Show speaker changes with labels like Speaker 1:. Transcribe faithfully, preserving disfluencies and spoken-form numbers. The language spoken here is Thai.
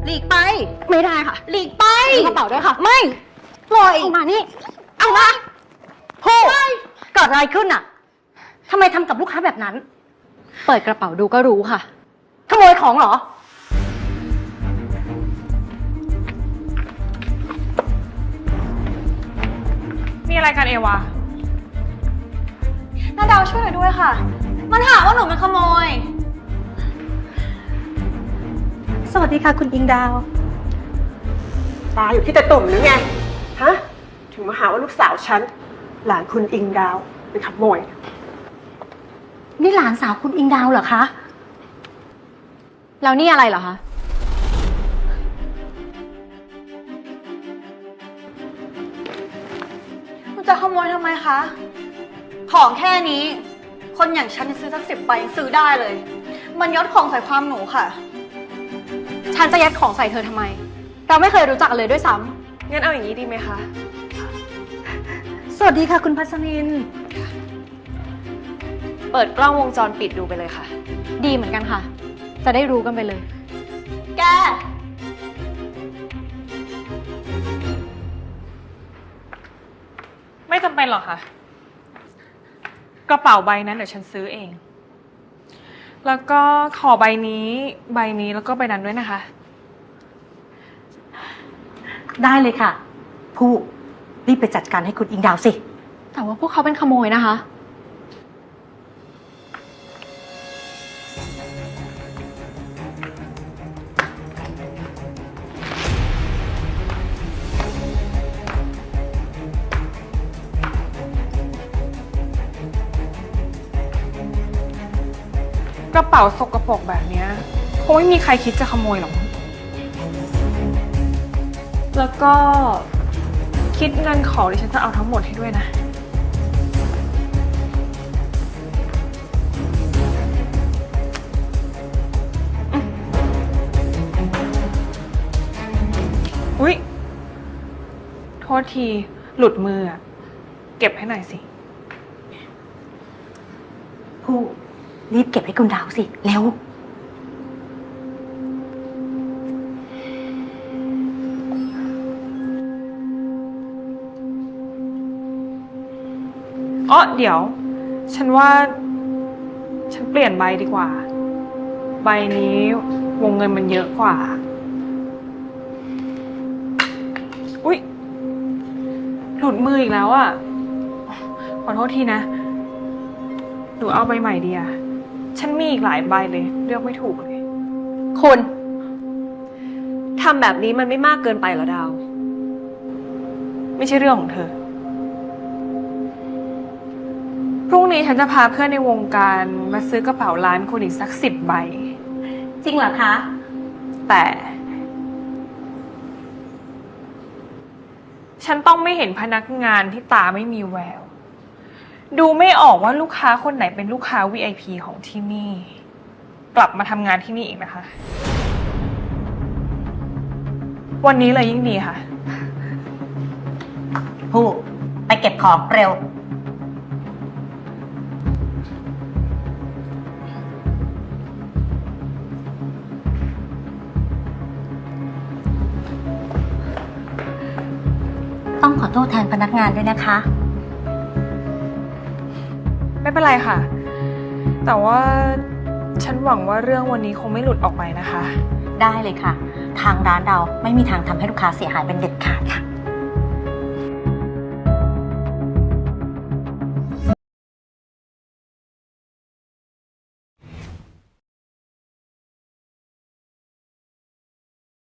Speaker 1: หลีกไป
Speaker 2: ไม่ได้ค่ะ
Speaker 1: หลีกไป
Speaker 2: กระเป๋าด้วยค่ะ
Speaker 1: ไม่ปล่อย
Speaker 2: ออกมานี่
Speaker 1: เอามา
Speaker 2: พูดเกิดอะไรขึ้นอ่ะทำไมทำกับลูกค้าแบบนั้นเปิดกระเป๋าดูก็รู้ค่ะขโมยของเหรอ
Speaker 3: มีอะไรกันเอวา
Speaker 1: นาดาวช่วยหน่อยด้วยค่ะมันหาว่าหนูเป็นขโมย
Speaker 2: สวัสดีค่ะคุณอิงดาว
Speaker 4: ตาอยู่ที่แต่ตุ่มหรือไงฮะถึงมาหาว่าลูกสาวฉันหลานคุณอิงดาวเป็นขโมย
Speaker 2: นี่หลานสาวคุณอิงดาวเหรอคะแล้วนี่อะไรเหรอคะ
Speaker 1: คุณจะขโมยทำไมคะของแค่นี้คนอย่างฉันซื้อสักสิบใบยังซื้อได้เลยมันยัดของใส่ความหนูค่ะ
Speaker 2: ฉันจะยัดของใส่เธอทำไมเราไม่เคยรู้จักกันเลยด้วยซ้
Speaker 3: ำงั้นเอาอย่างนี้ดีไหมคะ
Speaker 2: สวัสดีค่ะคุณพัชริน
Speaker 3: เปิดกล้องวงจรปิดดูไปเลยค่ะ
Speaker 2: ดีเหมือนกันค่ะจะได้รู้กันไปเลย
Speaker 1: แก
Speaker 3: ไม่จำเป็นหรอกค่ะกระเป๋าใบนั้นเดี๋ยวฉันซื้อเองแล้วก็ขอใบนี้ใบนี้แล้วก็ใบนั้นด้วยนะคะ
Speaker 2: ได้เลยค่ะผู้รีบไปจัดการให้คุณอิงดาวสิแต่ว่าพวกเขาเป็นขโมยนะคะ
Speaker 3: กระเป๋าสกปรกแบบนี้คงไม่มีใครคิดจะขโมยหรอกแล้วก็คิดเงินของดิฉันจะเอาทั้งหมดให้ด้วยนะอุ๊ยโทษทีหลุดมืออะเก็บให้หน่อยสิ
Speaker 2: ผู้รีบเก็บให้คุณดาวสิเร็ว
Speaker 3: อ๋อเดี๋ยวฉันว่าฉันเปลี่ยนใบดีกว่าใบนี้วงเงินมันเยอะกว่าอุ๊ยหลุดมืออีกแล้วอ่ะขอโทษทีนะหนูเอาใบใหม่ดีอ่ะฉันมีอีกหลายใบเลยเลือกไม่ถูกเลย
Speaker 2: คุณ
Speaker 3: ทำแบบนี้มันไม่มากเกินไปเหรอดาวไม่ใช่เรื่องของเธอพรุ่งนี้ฉันจะพาเพื่อนในวงการมาซื้อกระเป๋าร้านคุณอีกสักสิบใบ
Speaker 2: จริงเหรอคะ
Speaker 3: แต่ฉันต้องไม่เห็นพนักงานที่ตาไม่มีแววดูไม่ออกว่าลูกค้าคนไหนเป็นลูกค้า วี ไอ พี ของที่นี่กลับมาทำงานที่นี่อีกนะคะวันนี้เลยยิ่งดีค่ะ
Speaker 2: ผู้ไปเก็บของเร็วต้องขอโทษแทนพนักงานด้วยนะคะ
Speaker 3: ไม่เป็นไรค่ะแต่ว่าฉันหวังว่าเรื่องวันนี้คงไม่หลุดออกไปนะคะ
Speaker 2: ได้เลยค่ะทางร้านเราไม่มีทางทำให้ลูกค้าเสียหายเป็นเด็ดขาดค่ะ